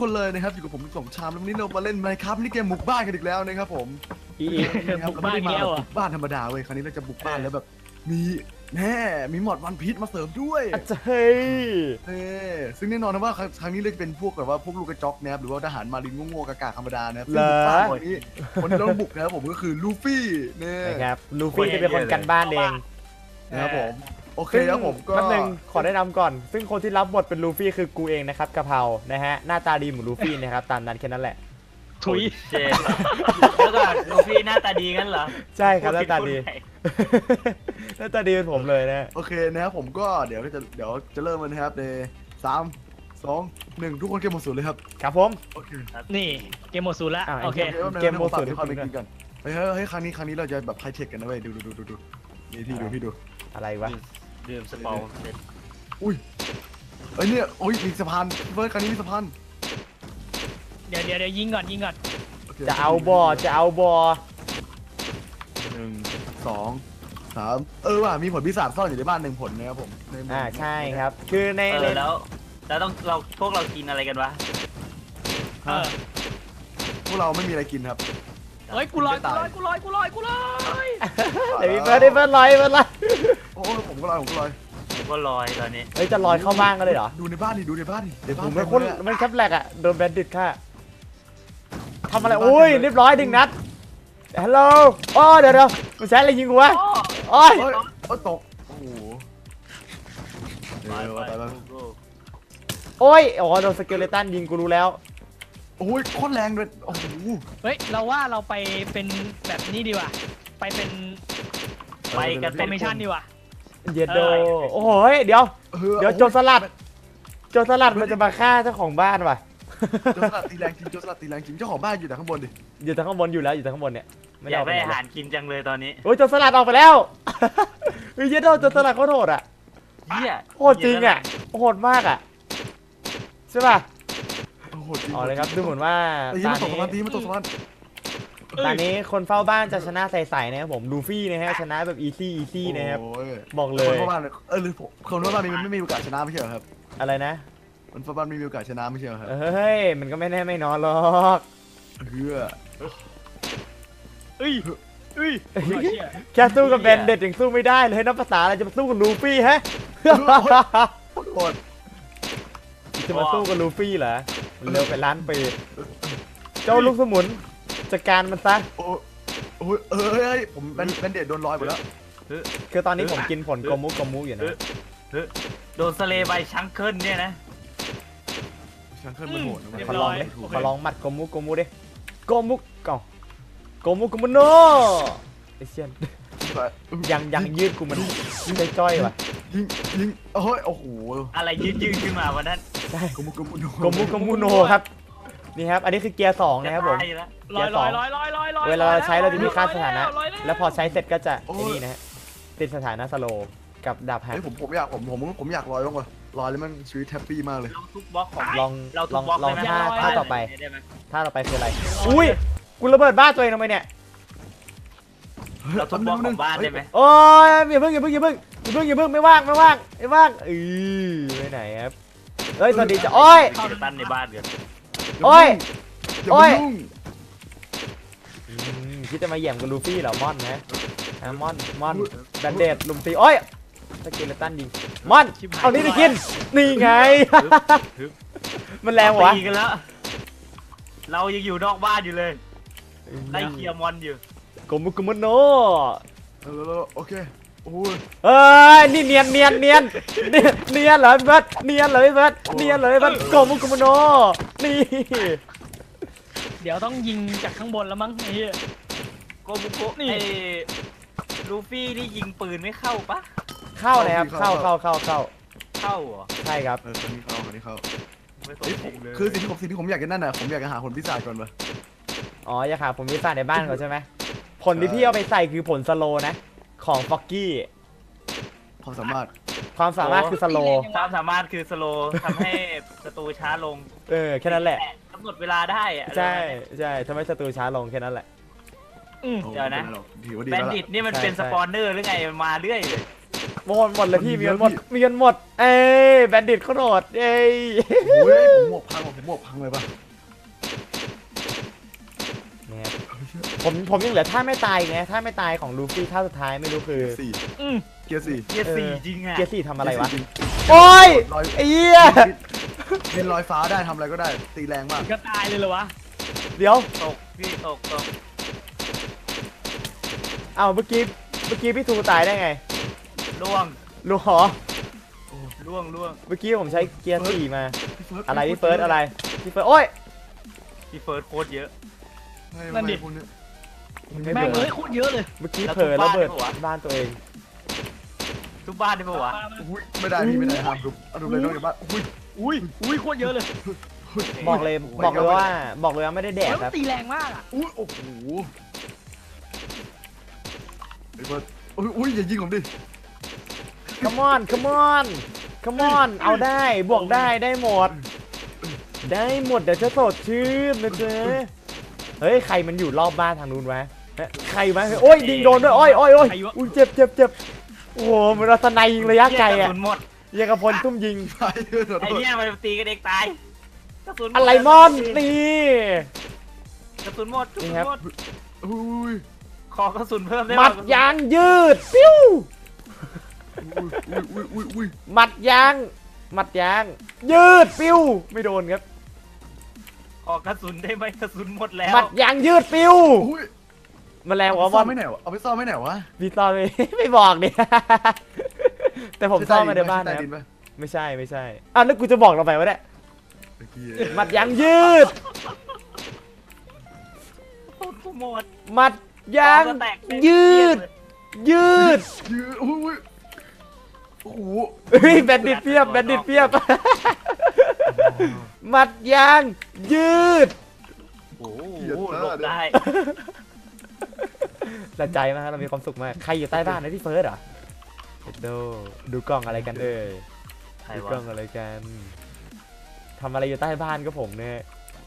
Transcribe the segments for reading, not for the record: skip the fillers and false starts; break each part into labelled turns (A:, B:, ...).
A: คนเลยนะครับอยู่กับผมสมชามแล้ววันนี้เรามาเล่น Minecraft นี่เกมบุกบ้านกันอีกแล้วนะครับผม
B: บุกบ้านแก้ว
A: บุกบ้านธรรมดาเว้ยคราวนี้เราจะบุกบ้านแล้วแบบมีหมอดวันพีชมาเสริมด้วย
C: อาจจะเฮ้ย
A: ซึ่งแน่นอนนะว่าครั้งนี้เลยจะเป็นพวกแบบว่าพวกลูกกระจอกนะครับหรือว่าทหารมารินโง่ๆกากๆธรรมดานะครับซึ่งบุกบ้านวันนี้คนที่เราต้องบุกนะครับผมก็คือลูฟี่เนี่ย
C: นะครับลูฟี่จะเป็นคนกันบ้านเอง
A: นะครับผมโอเคครับผมก็
C: แป๊บนึงขอแนะนำก่อน ซึ่งคนที่รับบทเป็นลูฟี่คือกูเองนะครับกะเพรานะฮะหน้าตาดีเหมือนลูฟี่นะครับตามนั้นแค่นั้นแหละ
B: ถุย
D: เจแล้วก็ลูฟี่หน้าตาดีงั้นเหรอ
C: ใช่ครับหน้าตาดีหน้าตาดีเป็นผมเลยนะ
A: โอเคนะครับผมก็เดี๋ยวจะเริ่มกันนะครับใน3 2 1ทุกคนเกมหมดศูนย์เลยครับ
C: ครับผม
A: โอเค
B: นี่เกมหมดศูนย์ละ
C: อ่ะ
B: โอเค
C: เกมโหมดศูนย์
A: เดี๋ยวความเป็นจริงกันเฮ้ยครั้งนี้เราจะแบบไฮเทคกันนะเว้ยดูนี่พี่ดู
C: อะไรวะ
D: ดื่มสปอลเสร็จ
A: อุ้ยเอ้ยเนี่ยโอ้ยมีสะพานเฟิร์สครั้งนี้มีสะพาน
B: เดี๋ยวยิงก่อน
A: โค
C: จะเอาบอ
A: 1 2 3ว่ะมีผลพิศาจซ่อนอยู่ในบ้าน1 ผลนะครับผมในหมู่
C: ใช่ครับคือใน
D: แล้วต้องพวกเรากินอะไรกันวะ
B: เออ
A: พวกเราไม่มีอะไรกินครับ
B: เฮ้ยกูลอย
C: เดี๋ยวพี่เฟิร์สลอย
A: โอ้ผมก็ลอย
D: ผมก็ลอยตอนนี้
C: เฮ้ยจะลอยเข้าบ้านกันเลยเหรอ
A: ดูในบ้านดิในบ้าน
C: ผมไม่คนมันแคปแหลกอ่ะโดนแบนดิตค่ะทำอะไรอุ้ยเรียบร้อยดึงนัดฮัลโหลอ๋อเดี๋ยวมันใช้อะไรยิงกูวะโอ้ย
A: ตกโอ้โหไป
C: โอ้ยอ๋อโดนสเกเลตันยิงกูรู้แล้ว
A: โอ้ยโคตรแรงเลยโอ้โห
B: เฮ้ยเราว่าเราไปเป็นแบบนี้ดีกว่าไปเป็น
D: ไปกัน
B: ฟอร์เมชั่นดีกว่า
C: เย็ดโดโอ้โหเดี๋ยวโจรสลัดมันจะมาฆ่าเจ้าของบ้านว่ะ
A: โจรสลัดตีแรงจริงเจ้าของบ้านอยู่แต่ข้างบนดิ
C: อยู่ทางข้างบนอยู่แล้วอยู่ทางข้างบนเนี่ยไม่
D: อยาก
C: ไป
D: ได้
C: ไหน
D: อาหารกินจังเลยตอนนี้
C: โอ้ยโจรสลัดออกไปแล้วเฮ้ยเย็ดโดโจรสลัดเขาโหดอ่ะ
D: เหี้ย
C: โหดจริงอ่ะโหดมากอ่ะใช่ป่ะ
A: โอ้โหจริง
C: อ๋อเลยครับดูเหมือนว่า
A: ตี
C: ตา
A: มาตก
C: นี้
A: สะพานตีมาตกสะพาน
C: ตอนนี้คนเฝ้าบ้านจะชนะใสๆนะครับผมลูฟี่นะฮะชนะแบบอีซี่นะครับบอกเล
A: คน
C: ย
A: เฝ้าบ้านหรือคนเฝ้าบ้านนี่มันไม่มีโอกาสชนะไม่ใช่เหรอครับ
C: อะไรนะ
A: คนเฝ้าบ้านไม่มีโอกาสชนะไม่ใช่เหรอครับ
C: เฮ้ยมันก็ไม่แน่ไม่นอนหรอก
A: เพื่อ
B: เอ้ย
C: แค่สู้กับแบนเด็ดยังสู้ไม่ได้เลยนับภาษาอะไรจะมาสู้กับลูฟี่ฮะ
A: โคตร
C: จะมาสู้กับลูฟี่เหรอมันเร็วไปล้านปีเจ้าลูกสมุนจัดการมันซะ
A: โอ้ยเฮ้ยผมเป็นเด็ดโดนลอยหมดแล้ว
C: คือตอนนี้ผมกินผลโกมุอยู่นะ
D: โดนสเลย์ใบชังเคิลเนี่ยนะ
A: ช่างเคลื่อนมันโหดนะ
C: ขอลองดิขอลองหมัดโกมุดิโกมุโนไอเชียนยังยืดกูมันจ้อยว่ะ
A: ยิงโอ้โห
D: อะไรยืดขึ้นมาวันนั้น
C: ใช่
A: กมุ
C: โกมุโนครับนี่ครับอันนี้คือเกียร์2นะครับผม
D: จะตายอยู่แล้ว
B: ลอย
C: เวลาเราใช้เราจะมีค่าสถานะแล้วพอใช้เสร็จก็จะไอ้นี่นะฮะติดสถานะสโลกับดาบแฮก
A: เฮ้ยผมอยากลอยบ้างว่ะลอยแล้วมันชีวิตแฮปปี้มากเลย
D: เราทุบบล็อกของ
C: ลอง
D: เราทุบบล็อก
C: ลอง
D: ได้ไหม
C: ท่าต่อไป
D: ได้ไหม
C: ท่าต่อไปคืออะไรอุ้ยกูระเบิดบ้านตัวเองทำไมเนี่ย
D: เราทุบบล็อกของบ้านได้ไหม
C: โอ้ยอย่าเพิ่งไม่ว่างไปไหนครับเฮ้ยสวัสดีจ้ะโอ้ย
D: กิจตันในบ้านกัน
C: โอ้ย
A: อย่ามายุ่ง
C: คิดจะมาแย่งกับลูฟี่เหรอมอนนะมอนแบนเดดลุมตีโอ้ยสกิลตันยิงมอนเอานี่ไปกินนี่ไงมันแรงวะ
D: ตีกันแล้ว เรายังอยู่นอกบ้านอยู่เลยไล่เคลียร์มอนอยู่
C: โกมุโน
A: โอเคโอ้ย
C: เอ้ยนี่เนียนเหรอพี่เบิร์ดเนียนเลยพี่เบิร์ดโกมุโนนี่
B: เดี๋ยวต้องยิงจากข้างบนแล้วมั้งไอ้เหี้ย
D: โกบุโกะไอ้ลูฟี่นี่ยิงปืนไม่เข้าปะ
C: เข้าเลยครับเข้า
D: เข้าเหรอ
C: ใช่ครับ
A: คนนี้เข้า
D: ไม่สนใจเลย
A: คือสิ่งที่ผมอยากจะนั่นน่ะผมอยากจะหาผลพิศาจก่อนวะ
C: อ๋ออย่าขาผมมีสารในบ้านเขาใช่ไหมผลที่พี่เอาไปใส่คือผลสโลนะของฟ็อกกี้
A: ความสามารถ
C: คือสโล
D: ความสามารถคือสโลทำให้ศัตรูช้าลง
C: แค่นั้นแหละ
D: กำหนดเวลาได้อะ
C: ใช่ทำให้ศัตรูช้าลงแค่นั้นแหละ
D: เดี๋ยวนะ
A: ถือว่าดี
D: แบ
A: แล้ว
D: นดิตนี่มันเป็นสปอนเนอร์หรือไงมันมาเรื่อยเลย
C: หมดเลยพี่มีเงินหมดมีเงินหมดเอ้ยแบนดิตเขาโดดเอ้ย
A: โอ้ยผมหมวกพังผมหมวกพังเลยป่ะ
C: เนี่ยผมยังเหลือท่าไม่ตายไงท่าไม่ตายของลูฟี่ท่าสุดท้ายไม่รู้คือ
A: สี่
B: อืม
A: เกียร์สี่
D: เกียร์สี่จริงอ่ะ
C: เกียร์สี่ทำอะไรวะ
A: จง
C: โอ้ย
A: ลอย
C: ไอ้เหี้ย
A: บินลอยฟ้าได้ทำอะไรก็ได้ตีแรงมาก
B: ก็ตายเลยเหรอวะ
C: เดี๋ยว
D: ตกพี่ตก
C: เอ้าเมื่อกี้พี่ทูตายได้ไง
D: ล่วง
C: รู้หรอ
D: ล่วง
C: เมื่อกี้ผมใช้เกียร์สี่มา
A: พี่เฟิร์ส
C: อะไรพี่เฟิร์สอะไรพี่เฟิร์สโอ้ย
D: พี่เฟิร์สโคตรเยอะ
B: นั่นดิ
A: พวกเย
C: ไม่
B: แม่ง
C: เผล
B: เล
C: อย
B: โคตรเยอะเลย
C: เมื่อกี้เผลอระเบิดบ้านตัวเอง
D: ทุกบ้านได้ปะวะ
A: อุ้ยไม่ได้พี่ไม่ได้ห้ามทุบเอาทุบเลยนอกจากบ้านอุ้ย
B: อุ้ยโคตรเยอะเลย
C: บอกเลยว่าไม่ได้แดก
B: แล้ว
C: ครับ
B: ตีแรงมากอ่ะ
A: อุ้ยโอ้โหพี่เฟิร์สอุ้ยอย่ายิงผมดิ
C: come on เอาได้บวกได้หมด ได้หมดเดี๋ยวจะสดชื่นนะเจ๊เฮ้ยใครมันอยู่รอบบ้านทางนู้นวะใครวะโอ้ยยิงโดนด้วยโอ้ยอุ้ยเจ็บโอ้โหมันรัตนัยยิงระยะไกล
D: ก
C: อะ
D: ระสุนหมด
C: ยังกับพลตุ้มยิง
A: ไปเถอะ
D: ไอ้เนี่ยมันตีกันเองตายกระสุนหมด
C: อะไรมอนนี่
D: กระสุนหมดกระสุน
C: นี่ครับ
D: หมด
A: อุ้ย
D: ขอกระสุนเพิ่มได้
C: หมัดยางยืดปิ้ว
A: อุ้ย
C: หมัดยางยืดปิ้วไม่โดนครับ
D: ขอกระสุนได้ไหมกระสุนหมดแล้ว
C: หมัดยางยืดปิ้ว
A: อุ้ย
C: แมาแรง
A: เอา
C: วะ
A: ไป
C: บ
A: ซ่
C: อ
A: อ
C: ล
A: มไม่ไหนวะเอาไปซ่อมไม่ไหนวะ
C: พี่ซ่อนไม่บอกเนี่ย แต่ผมซ่อนมาในบ้าน
A: ใต้
C: นะค
A: ดิ
C: รับ
A: ปะ
C: ไม่ใช่อ่ะแล้วกูจะบอกเราไปวะเนี่ย
A: เมื่อกี้
C: หมัดยางยืด
D: โคตรหมด
C: หมัดยาง
D: ของก็แตกเป็น
C: ยืด
A: ยืดอุ้ยโอ้โห
C: เฮ้ยแบนดิตเพียบหมัดยางยืด
D: โอ้โหหลบได้
C: ละใจมากเรามีความสุขมากใครอยู่ใต้บ้านนะพี่เฟิร์สเหรอดูกล้องอะไรกันเอ่ย
D: ใคร
C: ดู
D: วะ
C: กล้องอะไรกันทำอะไรอยู่ใต้บ้านก็ผมเนี่ย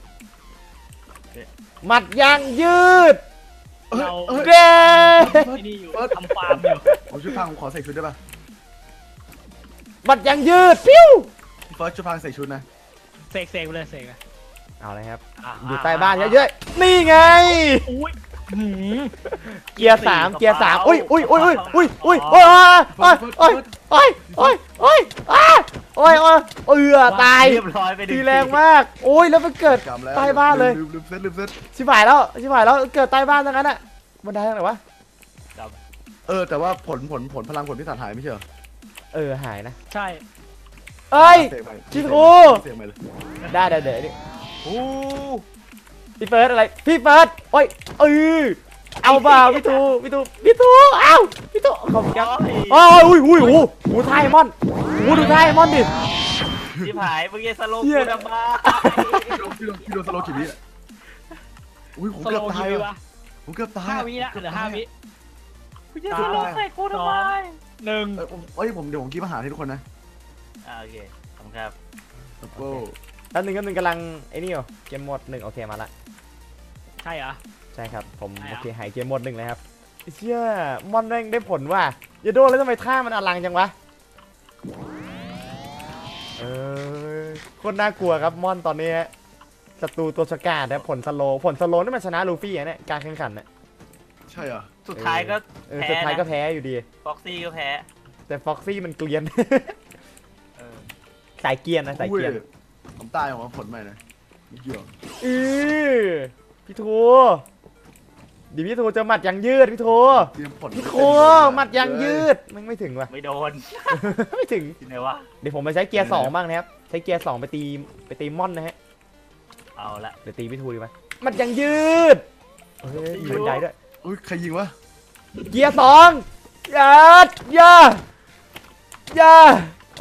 C: หมัดยางยืด
B: เรา
C: เด้
B: ที่นี่อยู่ทำฟาร์มอยู่
A: ผมช่วยพังผมขอใส่ชุดได้ปะ
C: หมัดยางยืดปิ้ว
A: พี่เฟิร์สช่วยพังใส่ชุดนะ
B: เสกไปเลยเสกเลย
C: เอาเลยครับ
B: อ่ะ
C: อยู่ใต้บ้านเยอะๆนี่ไง
B: อุ้ยหืม
C: เกียร์สามอุ้ยตาย
D: เรียบร้อยไปหนึ่ง
C: ทีแรงมากโอ้ยแล้วมันเกิด
A: กำแล้ว
C: ใต้บ้านเลย
A: ลืมเซ็ต
C: ชิบหายแล้วเกิดใต้บ้านทั้งนั้นอ่ะบันไดทางไหนวะ
A: แต่ว่าผลพลังผลพิศาจหายไม่ใช่เหรอ
C: หายนะ
B: ใช่
C: เอ้ย
A: เสียงใหม่
C: พี่ครู
A: เสียงใหม่เลย
C: ได้เดี๋ยวนี่
D: โอ้
C: พี่เฟิร์สอะไรพี่เฟิร์สโอ้ยเอาเปล่าพี่ทูเอาพี่ทูขอบคุณครับอุ้ยท่ายมอนดูท่ายมอนดิ
D: ชิบหายเมื่อกี้สโลว์
C: เหี้ย
D: กูดำมา
A: พี่โดนสโลว์กี่วิอ่ะอุ้ยผม
B: ส
A: เกื
B: โล
A: อบ
B: ว์
A: ตาย
B: กี่วิ
A: ว่ะ
B: วะ
A: ผมเกือบตาย
B: 5 วิละเหลือ5 วิ
D: กูจะสโลว์ใส่กูทำไม
B: 1
A: เดี๋ยวผมกินอาหารให้ทุกคนนะ
D: โอเคขอบคุณครับ
A: โอ้
C: แล้วหนึ่งกำลังไอ้นี่อยู่เกมโหมด1โอเคมาละ
B: ใช่เหรอ
C: ใช่ครับผม
B: ใช่เหรอ
C: โอเคหายเกมโหมด1เลยครับเชี่ยมอนแม่งได้ผลว่ะอย่าโดนแล้วทำไมท่ามันอลังจังวะโคตรน่ากลัวครับมอนตอนนี้ศัตรูตัวฉกาจนะผลสโลว์นี่มันชนะลูฟี่เนี่ยการแข่งขันน่ะ
A: ใช่เหรอ
D: สุดท้ายก็แพ้
C: สุดท้ายก็
D: นะ
C: แพ้อยู่ดี
D: ฟ็อกซี่ก็แพ้
C: แต่ฟ็อกซี่มันเกลียน
D: เออ
C: สายเกรียนนะสายเกรียน
A: ผมตายออกมาผลใหม่นะไม่เกี่ยว
C: พี่ทูดิพี่ทูจะหมัดยางยืดพี่ทู
A: เตรียมผล
C: พี่ทูหมัดยางยืดไม่ถึงว่ะ
D: ไม่โดน
C: ไม่ถึง
D: ที่ไหนวะ
C: เดี๋ยวผมไปใช้เกียร์2บ้างนะครับใช้เกียร์2ไปตีม่อนนะฮะ
D: เอาละ
C: เดี๋ยวตีพี่ทูดีไหมหมัดยางยืดมีบันไดด้วย
A: อุ้ยใครยิงวะ
C: เกียร์2อย่าโอ้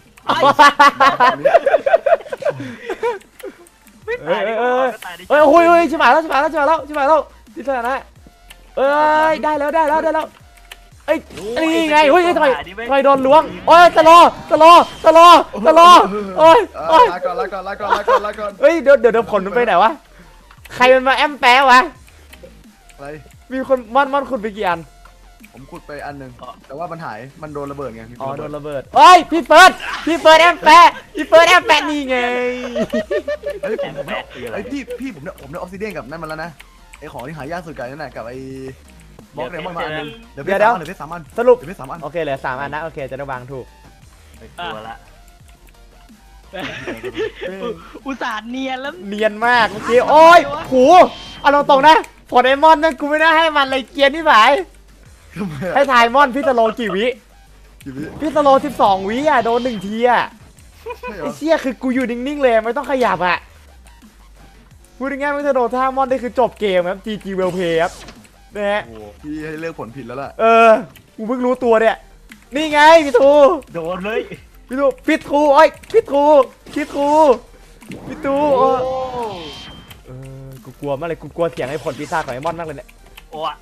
D: ไม่ตายดิก็ตายดิ
C: โอ้ยชิบหายแล้วที่สถานะได้แล้วเอ้ยนี่ไงเฮ้ยทำไมโดนล้วงโอ้ยตะลอโอ้ย
A: ลาก่อน
C: เฮ้ยเดี๋ยวผลมันไปไหนวะใครมันมาแอมแปะวะ
A: อะไร
C: มีคนม่อนคุณไปกี่อัน
A: ผมขุดไปอันหนึ่งแต่ว่ามันหายมันโดนระเบิดไง
C: อ๋อโดนระเบิดเอ้ยพี่เฟิร์สแอมแปะนี่ไง
A: เฮ้ยผมเนี่ยไอ้พี่ผมเนี่ยออฟซิเดียนกับนั่นมาแล้วนะไอ้ของที่หายากสุดกันนั่นแหละกับไอ้บล็อกเนี่ยมันมาอันนึงเดี๋ยวเพชร3 อัน
C: สรุป
A: เดี๋ยวเพชร3 อัน
C: โอเคเหลือ3 อันนะโอเคจะได้วางถูก
D: ไม่กลัวละ
B: อุตส่าห์เนียนแล้ว
C: เนียนมากเมื่อกี้โอ้ยโหเอาตรงๆนะพอไดมอนด์นั่นกูไม่น่าให้มันเลยเกียร์นี่หมาย
A: ทำไม
C: ให้ทายมอนพี่สโลกี่วิ
A: กี่วิ
C: พี่สโล12 วิอ่ะโดน1 ทีอ่ะ
A: ใช่เหร
C: ไอ้
A: อ
C: เชี่ยคือกูอยู่นิ่งๆเลยไม่ต้องขยับอ่ะพูดง่ายๆไม่ถ้าโดนท่ามอนได้คือจบเกมครับ GG well play ครับนะฮะ
A: โอ้พี่ให้เลือกผลผิดแล้วล่ะ
C: กูเพิ่งรู้ตัวเนี่ยนี่ไงพี่ทู
D: โดนเลย
C: พี่ทูพี่ทูโอ้ยพี่ทูพี่ทูกูกลัวมากเลยกูกลัวเสียงไอ้ผลปีศาจของไอ้มอนมากเลยเนี่ย
D: โอ้อะ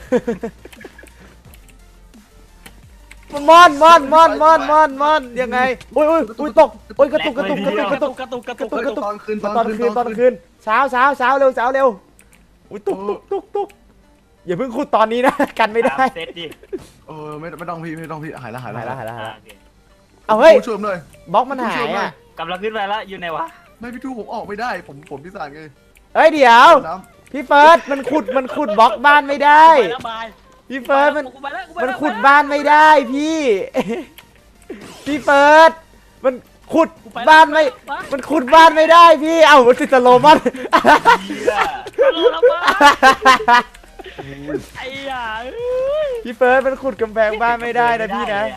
C: มอนยังไงโอ้ยตกโอ้ยกระตุก
B: กระตุก
A: ตอนคืน
C: ตอนคืนเช้าเร็วอุ้ยตุกอย่าเพิ่งขุดตอนนี้นะกันไม่ได้
D: เซตดิ
A: ไม่ต้องพี่หายแล้ว
C: หายละ
D: โอเค
C: เอาเฮ้ย
A: ช่วยผมหน่อย
C: บล็อกมันหายอ่ะ
D: กำลังขึ้นไปแล้วอยู่ไหนวะ
A: ไม่พี่ทูผมออกไม่ได้ผมพิสานไง
C: เฮ้ยเดี๋ยว
A: น้
C: พี่เฟิร์สมันขุดบล็อกบ้านไม่ได้
B: ไปแล้วบาย
C: พี่เฟิร์สมัน
B: ไปแล้ว
C: ขุดบ้านไม่ได้พี่พี่เฟิร์สมันขุดบ้านไม่มันขุดบ้านไม่ได้พี่เอ้ามันติดสโลมอน
D: เหี้ย
B: ลงแล้วบ้าไอ้ห่า
C: พี่เฟิร์สมันขุดกำแพงบ้านไม่ได้นะพี่นะ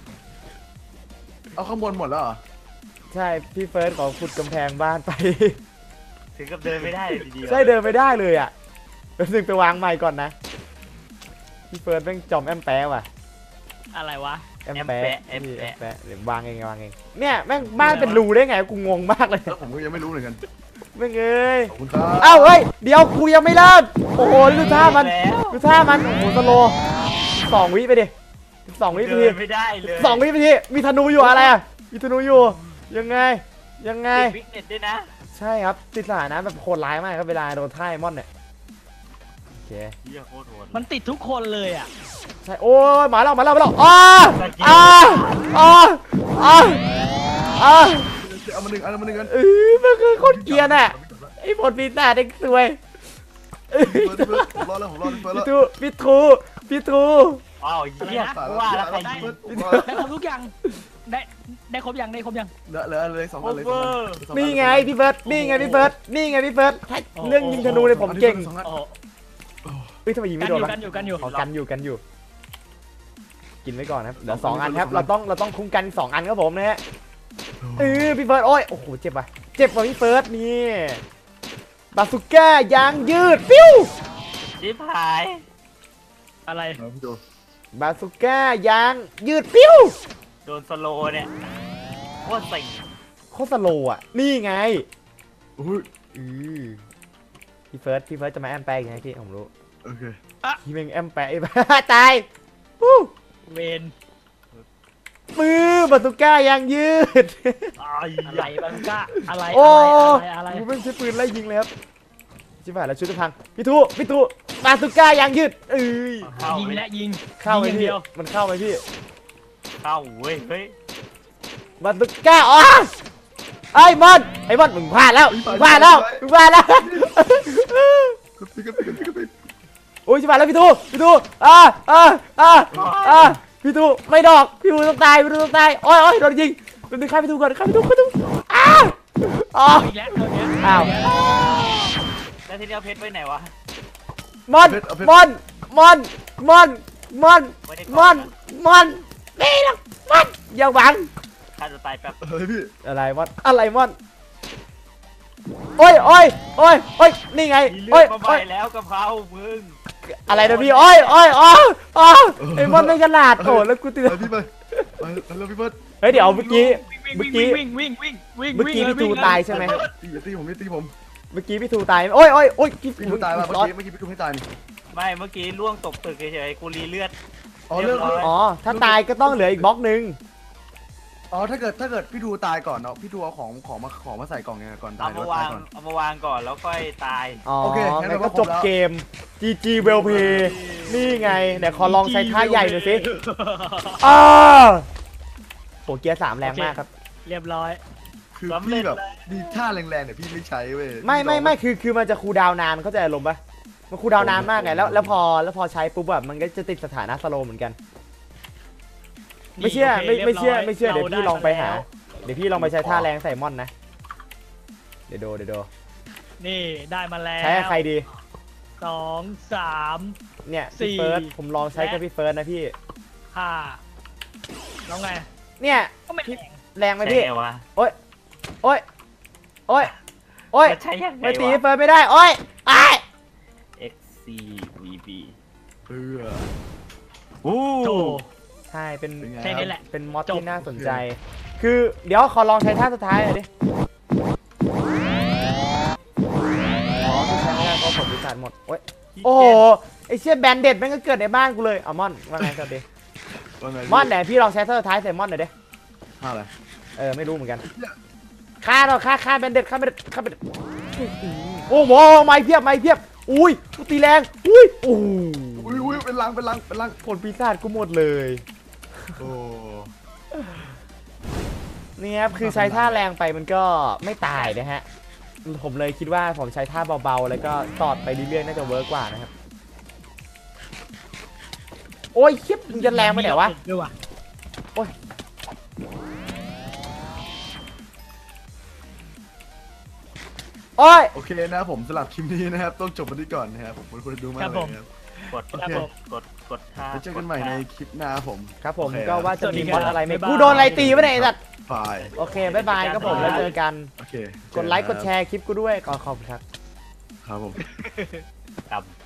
A: เอาข้างบนหมดแล้วเหรอ
C: ใช่พี่เฟิร์สขอขุดกำแพงบ้านไป
D: ถึงกับเดินไม่ได้เลยทีเดียว
C: ใช่เดินไม่ได้เลยอ่ะแป๊บนึงไปวางใหม่ก่อนนะพี่เฟิร์สแม่งจอมแอมแปะว่ะ
B: อะไรวะ
C: แอมแปะเดี๋ยววางเองเนี่ยแม่งบ้านเป็นรูได้ไงกูงงมากเลย
A: แล้วผมก็ยังไม่รู้เหมือนกัน
C: แม่งเอ้ย
A: ขอบคุณครับ
C: เอ้าเฮ้ยเดี๋ยวกูยังไม่เริ่มโอ้โหดูท่ามัน
D: แล้ว
C: โอ้โหสโล2 วิไปดิ2 วิไป
D: เดิ
C: ที
D: นไม่ได้เลย
C: 2 วิไปทีมีธนูอยู่อะไรอ่ะมีธนูอยู่ยังไง
D: ติดวิกเน็ตด้วยนะ
C: ใช่ครับติดสถานะแบบโคตรร้ายมากครับเวลาโดนท่ายมอนเนี่ยโอเค
D: เหี้ยโคตรโหด
B: มันติดทุกคนเลยอ่ะ
C: ใช่โอ้ยมาแล้ว
A: เอามาหนึ่งกัน
C: มันคือโคตรเกรียนอ่ะไอ้ผลปีศาจเด็กสวย
A: ผมรอแล้ว
C: พี่ทู
D: อ้าวเหี้ยว่าแล้วใครยิง
B: ได้ครบทุกอย่างได้ครบยัง
A: เหลือเลย2
D: โอ
A: อันเลย
D: เวอร์
C: นี่ไงพี่เบิร์ดนี่ไงพี่เบิร์ดเรื่องยิงธนูเลยผมเก่ง
B: โอ้
C: เฮ้ยทำไมยิง
B: กั
C: ไม่
B: น
C: โด
B: อน ยู่
C: วะ
B: กันอยู่กันอยู่
C: ขอกันอยู่กินไว้ก่อนครับเหลือ2 อันครับเราต้องคุ้มกัน2 อันครับผมนะฮะพี่เฟิร์สโอ้โหเจ็บว่ะพี่เฟิร์สนี่บาสุก้ายางยืดปิ้ว
D: ชิบหาย
B: อะไร
A: พี่ดู
C: บาสุก้ายางยืดปิ้ว
D: โดนสโลเนี่ยโคตรสิง
C: โคตรสโลว์อ่ะนี่ไง
A: อุ้ย
C: พี่เฟิร์สจะมาแอมแปะอีกไงพี่ผมรู้
A: โอเค
C: พี่เมงแอมแปะไอ้บ้าตายฮู้
B: เวน
C: มือบาสุก้ายางยืด
B: อะไรบังกะอะไร
C: โอ้
B: อะไร
C: กูไม่ใช่ปืนไล่ยิงเลยครับชิบหายแล้วชุดจะพังพี่ทูบาสุก้ายางยืด
B: ยิง
D: เข้าไป
B: และยิง
C: เข้าไหม
B: ยิง
C: พี่
B: เดียว
C: มันเข้าไหมพี่
D: เข้าเว้ยเฮ้ย
C: บาสุก้าไอ้มอนมึงพลาดแล้วโอ้ยชิบหายแล้วพี่ทูพี่ทูไม่ดอกพี่ทูต้องตายโอ้ยโดนยิงเป็นฆ่าพี่ทูก่อน
B: อีกแล้ว
C: อ้าว
D: แล้วทีนี้เอาเพชรไว้ไหนวะ
C: มอนนี่หรอกมอนอย่าหวัง
D: ข้าจะตายแป๊บ
A: เฮ้ยพี่
C: อะไรมอนโอ้ยนี่ไง
D: มีเลือดมาใหม่แล้วกะเพรามึง
C: อะไรนะพี่ไอ้มอนไม่ขนาดโอ้แล้วกูตื่น
A: พี่ไปแล้วพี่เบิร์ด
C: เฮ้ยเดี๋ยวเมื่อกี้
B: วิ่ง
C: พี่ทูตายใช่ไหม
A: อย่าตีผมอย่าตีผม
C: เมื่อกี้พี่ทูตายโอ้ย
A: พี่ทูตายป่ะเมื่อกี้พี่ทูไม่ตายนี่
D: ไม่เมื่อกี้ล่วงตกตึกเฉยๆกูรีเลือด
A: อ๋อเรื่อง
C: อ๋อถ้าตายก็ต้องเหลืออีกบล็อกนึง
A: อ๋อถ้าเกิดพี่ทูตายก่อนเนาะพี่ทูเอาของมาใส่กล่องไงก่อนตา
D: เอา
A: ย
D: มาวางเอามาวางก่อนแล้วค่อยตาย
C: อ๋อ
A: โอเค
C: งั้นก็จบเกม GG well play นี่ไงเดี๋ยวขอลองใช้ท่าใหญ่หน่อยสิอ้าโหเกียร์ 3แรงมากครับ
B: เรียบร้อย
A: คือพี่แบบมีท่าแรงๆเนี่ยพี่ไม่ใช้เว้ย
C: ไม่คือมันจะคูลดาวน์นานเข้าใจอารมณ์ปะมันคูลดาวน์นานมากไงแล้วพอใช้ปุ๊บแบบมันก็จะติดสถานะสโลว์เหมือนกัน ไม่เชื่อ
B: นี่
C: ไม่เชื่อ
B: โค
C: ไม่เชื่อ
B: รี
C: เดี๋ย
B: บ
C: ว
B: ร้
C: พี่ลองไปหา
B: แล้ว
C: เดี๋ยวพี่ลองไปใช้ท่าแรงใส่ม่อนนะเดี๋ยวดู
B: นี่ได้มาแล้ว
C: ใช้กับใครดี
B: 2 3
C: เนี่ย
B: สี่
C: พี่เฟิร์สผมลองใช้กับพี่เฟิร์สนะพี่
B: 5แล้วไง
C: เนี่ย
B: ก็ไม่
C: พี่
B: แรง
C: แรงไหม
D: ใช่
C: พี่
D: ไงวะ
C: โอ๊ยโอ๊ย
D: จะใช้ยังไง
C: ไม่ตี
D: วะ
C: พี่เฟิร์สไม่ได้โอ๊ยไอ้
D: XCVB
A: เออ
D: อู้
B: โถ
C: ใช่เป็น
A: เป็นไง
B: แค่นี้แหละ
C: เป็นมอด
B: จบ
C: ที่น่าสนใจ คือเดี๋ยวขอลองใช้ท่าสุดท้ายหน่อยดิอ๋อที่ใช้ไม่ได้เพราะผลวิสัยหมดโอ๊ยโอ้โหไอเชี่ยแบนเด็ดแม่งก็เกิดในบ้านกูเลยเอาม่อนว่าไงสวัสดี
A: ว่าไง
C: ม่อนไหนพี่ลองใช้ท่าสุดท้ายใส่ม่อนหน่อยดิ
A: ท่าอะไร
C: ไม่รู้เหมือนกันฆ่าเราฆ่าแบนเด็ดฆ่าแบนเด็ดโอ้โหไม้เพียบอุ้ยกูตีแรงอุ้ยโอ้โห
A: อุ้ยเป็นลัง
C: ผลปีศาจกูหมดเลย
A: โอ้
C: นี่ครับคือใช้ท่าแรงไปมันก็ไม่ตายนะฮะผมเลยคิดว่าผมใช้ท่าเบาๆแล้วก็ตอดไปเรื่อยๆน่าจะเวิร์กกว่านะครับโอ้ยคลิปมึงจะแรงไปไหนวะ
B: ด้วยวะ
C: โอ้ย
A: โอเคนะครับผมสำหรับคลิปนี้นะครับต้องจบไปที่ก่อนนะครับผมคนดูมากเลยนะครับ
D: กด
B: ครับผม
D: กดท่า
A: ไว้เจอกันใหม่ในคลิปหน้าครับผม
C: ครับผม
A: โอเค
C: ก็ว่าจะมี
B: สวัสดี
C: ม
B: ครั
C: อบ ดอะไรไหม
B: บ๊ายบาย
C: กูโดนอะไรตีวะเนี่ยไอ้สัตว์
A: บาย
C: โอเคบ๊ายบายครับผมแล้วเจอกัน
A: โอเค
C: กดไลค์กดแชร์คลิปกูด้วยขอบคุณครับ
A: ครับผม
D: กับ